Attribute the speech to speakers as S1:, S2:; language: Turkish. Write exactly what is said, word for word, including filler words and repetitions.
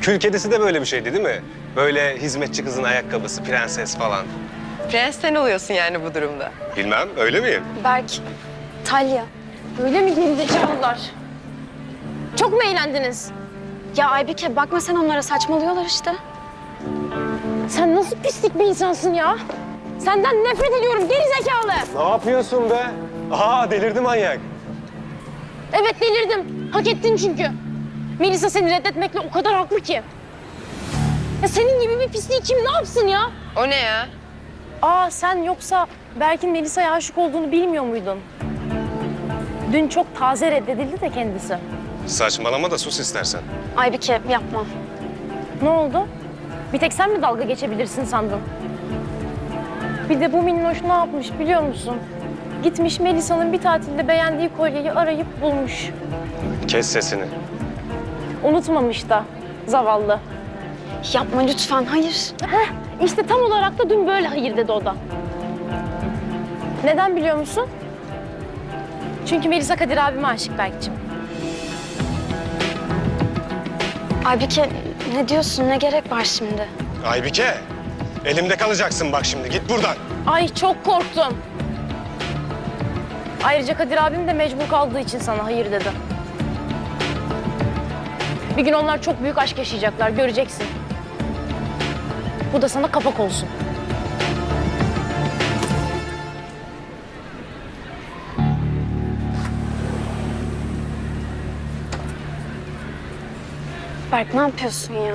S1: Kül kedisi de böyle bir şeydi değil mi? Böyle hizmetçi kızın ayakkabısı, prenses falan.
S2: Prens sen oluyorsun yani bu durumda.
S1: Bilmem, öyle miyim?
S3: Berk, Talya.
S4: Öyle mi gerizekalılar? Çok mu eğlendiniz?
S3: Ya Aybike bakma sen onlara, saçmalıyorlar işte.
S4: Sen nasıl pislik bir insansın ya? Senden nefret ediyorum gerizekalı.
S1: Ne yapıyorsun be? Aa, delirdi manyak.
S4: Evet delirdim. Hak ettin çünkü. Melisa seni reddetmekle o kadar haklı ki. Ya senin gibi bir pisliği kim ne yapsın ya?
S2: O ne ya?
S4: Aa sen yoksa Berk'in Melisa'ya aşık olduğunu bilmiyor muydun? Dün çok taze reddedildi de kendisi.
S1: Saçmalama da sus istersen.
S3: Aybike yapma.
S4: Ne oldu? Bir tek sen mi dalga geçebilirsin sandın? Bir de bu minnoş ne yapmış biliyor musun? Gitmiş Melisa'nın bir tatilde beğendiği kolyeyi arayıp bulmuş.
S1: Kes sesini.
S4: Unutmamış da zavallı.
S3: Yapma lütfen, hayır.
S4: Heh, işte tam olarak da dün böyle hayır dedi o da. Neden biliyor musun? Çünkü Melisa Kadir abime aşık Berk'ciğim.
S3: Aybike ne diyorsun, ne gerek var şimdi?
S1: Aybike, elimde kalacaksın bak şimdi. Git buradan.
S4: Ay çok korktum. Ayrıca Kadir abim de mecbur kaldığı için sana hayır dedi. Bir gün onlar çok büyük aşk yaşayacaklar, göreceksin. Bu da sana kapak olsun.
S3: Berk ne yapıyorsun ya?